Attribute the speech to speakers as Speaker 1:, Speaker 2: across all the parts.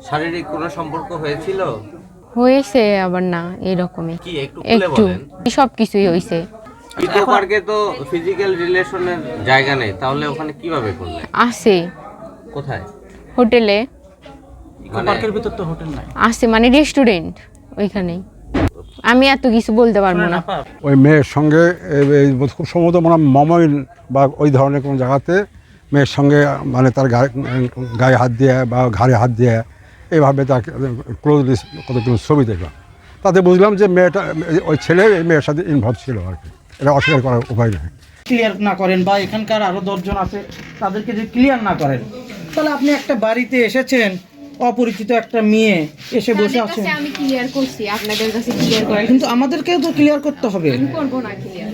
Speaker 1: শারীরিক কোনো সম্পর্ক হয়েছিল?
Speaker 2: হয়েছে আবার না এরকমই
Speaker 1: কি একটু খুলে
Speaker 2: একটু
Speaker 1: বলেন।
Speaker 2: সবকিছুই হয়েছে।
Speaker 1: ইকো পার্কে তো ফিজিক্যাল রিলেশনের জায়গা নেই, তাহলে ওখানে কিভাবে করলেন?
Speaker 2: আছে
Speaker 1: কোথায়?
Speaker 2: হোটেলে
Speaker 3: ইকো পার্কের ভিতর তো হোটেল নাই।
Speaker 2: আছে মানে রেস্টুরেন্ট ওইখানেই। আমি এত কিছু বলতে পারবো না।
Speaker 4: ওই মেয়ের সঙ্গে খুব সম্ভবত মানে মমইন বা ওই ধরনের কোনো জায়গাতে মেয়ের সঙ্গে মানে তার গায়ে হাত দিয়ে বা ঘাড়ে হাত দিয়ে এইভাবে তাকে ক্লোজলি কতগুলো ছবি দেখলাম, তাতে বুঝলাম যে মেয়েটা ওই ছেলে এই মেয়ের সাথে ইনভলভ ছিল আর কি। এটা অস্বীকার করার উপায় নেই।
Speaker 3: ক্লিয়ার না করেন বা এখানকার আরো 10 জন আছে তাদেরকে যদি ক্লিয়ার না করেন, তাহলে আপনি একটা বাড়িতে এসেছেন, অপরিচিত একটা মেয়ে এসে বসে আছেন।
Speaker 2: আমি ক্লিয়ার করছি, আপনাদের কাছে ক্লিয়ার করা
Speaker 3: কিন্তু আমাদেরকেও তো ক্লিয়ার করতে হবে।
Speaker 2: আমি করব না ক্লিয়ার।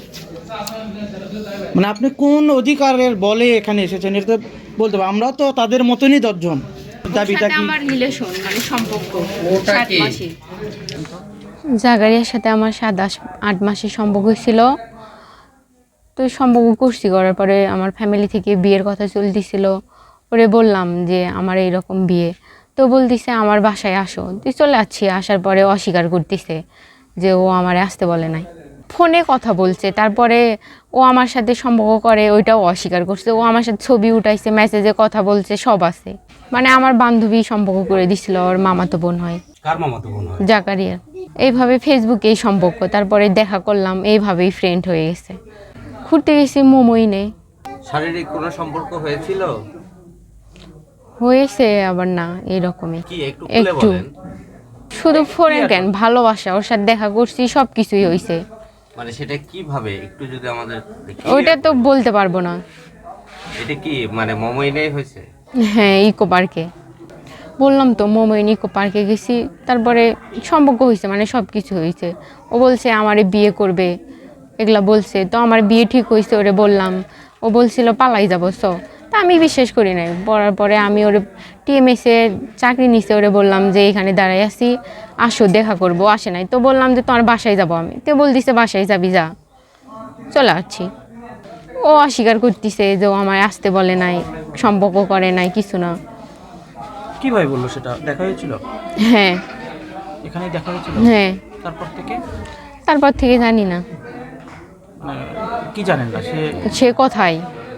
Speaker 3: মানে আপনি কোন অধিকারের বলে এখানে এসেছেন এটা তো বলতে হবে। আমরাও তো তাদের মতনই 10 জন। দাবিটা কি?
Speaker 2: আমার রিলেশন মানে সম্পর্ক 7 মাসের। জাগারিয়ার সাথে আমার 7-8 মাসের সম্পর্ক ছিল। তো সম্পর্ক করছি, করার পরে আমার ফ্যামিলি থেকে বিয়ের কথা চলতেছিল। ওরে বললাম যে আমার এইরকম বিয়ে, তো বলতেছে আমার বাসায় আসো। তুই চলে যাচ্ছি, আসার পরে অস্বীকার করতেছে যে ও আমারে আসতে বলে নাই। ফোনে কথা বলছে, তারপরে ও আমার সাথে সম্পর্ক করে ওইটাও অস্বীকার করছে। ও আমার সাথে ছবি উঠাইছে, মেসেজে কথা বলছে, সব আছে। মানে আমার বান্ধবী সম্পর্ক করে দিছিল, ওর মামাতো বোন হয়।
Speaker 1: কার মামাতো বোন হয়?
Speaker 2: জাকারিয়ার। এইভাবে ফেসবুকেই সম্পর্ক, তারপরে দেখা করলাম, এইভাবেই ফ্রেন্ড হয়ে গেছে। ঘুরতে গেছি মোমোইনে।
Speaker 1: শারীরিক কোনো সম্পর্ক হয়েছিল?
Speaker 2: হয়েছে আবার না এরকমই
Speaker 1: কি একটু খুলে
Speaker 2: একটু।
Speaker 1: বলেন।
Speaker 2: শুধু ফোনে কেন, ভালোবাসা, ওর সাথে দেখা করছি, সব কিছুই হয়েছে।
Speaker 1: মানে সেটা কিভাবে একটু যদি আমাদের
Speaker 2: ওইটা তো বলতে পারবো না।
Speaker 1: এটা কি মানে মমইনেই হয়েছে?
Speaker 2: হ্যাঁ, ইকো পার্কে। বললাম তো মোমোইন ইকো পার্কে গেছি, তারপরে সম্পর্ক হয়েছে, মানে সব কিছু হয়েছে। ও বলছে আমারে বিয়ে করবে, এগুলা বলছে। তো আমার বিয়ে ঠিক হয়েছে, ওরে বললাম। ও বলছিল পালাই যাবো, তা আমি বিশ্বাস করি নাই। পড়ার পরে আমি ওরে টিএমএসে চাকরি নিছে, ওরে বললাম যে এখানে দাঁড়াই আসি, আসো দেখা করবো, আসে নাই। তো বললাম যে তোমার বাসায় যাবো আমি, তো বল দিছে বাসায় যাবি, যা। চলে আসছি। ও অস্বীকার করতেছে যে ও আমায় আসতে বলে নাই, সম্পর্ক করে নাই, কিছু না।
Speaker 3: কিভাবে বললো সেটা? দেখা হয়েছিল?
Speaker 2: হ্যাঁ
Speaker 3: এখানেই দেখা হয়েছিল?
Speaker 2: হ্যাঁ।
Speaker 3: তারপর থেকে
Speaker 2: জানি না,
Speaker 3: মানে কি জানেন না
Speaker 2: সে কথাই।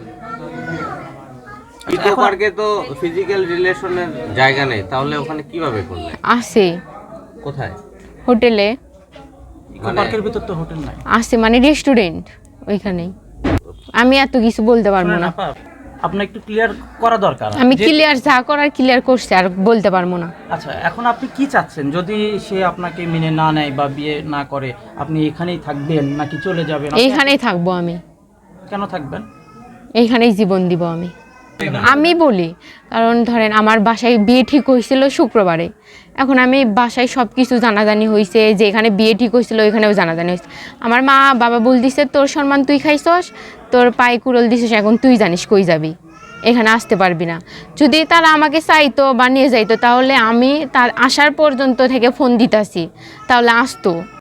Speaker 1: ইকো পার্কে তো ফিজিক্যাল রিলেশনের জায়গা নেই, তাহলে ওখানে কিভাবে করলেন?
Speaker 2: আছে
Speaker 1: কোথায়?
Speaker 2: হোটেলে
Speaker 3: ইকো পার্কের ভিতর তো হোটেল নাই।
Speaker 2: আছে মানে রেস্টুরেন্ট ওইখানেই। আমি এত কিছু বলতে পারবো না।
Speaker 3: আপনার একটু ক্লিয়ার করা দরকার।
Speaker 2: আমি ক্লিয়ার যা করার ক্লিয়ার করছি, আর বলতে পারবো না।
Speaker 3: আচ্ছা, এখন আপনি কি চাচ্ছেন? যদি সে আপনাকে মেনে না নেয় বা বিয়ে না করে, আপনি এখানেই থাকবেন নাকি চলে যাবেন?
Speaker 2: এইখানেই থাকবো আমি।
Speaker 3: কেন থাকবেন?
Speaker 2: এইখানেই জীবন দিব আমি। আমি বলি, কারণ ধরেন আমার বাসায় বিয়ে ঠিক হয়েছিল শুক্রবারে। এখন আমি বাসায় সব কিছু জানাজানি হয়েছে, যে এখানে বিয়ে ঠিক হয়েছিল ওইখানেও জানাজানি হয়েছে। আমার মা বাবা বলতেছে তোর সম্মান তুই খাইছস, তোর পায়ে কুড়ল দিছিস, এখন তুই জানিস কই যাবি, এখানে আসতে পারবি না। যদি তারা আমাকে চাইতো বা নিয়ে যাইতো, তাহলে আমি তার আসার পর্যন্ত থেকে ফোন দিতাছি, তাহলে আসতো।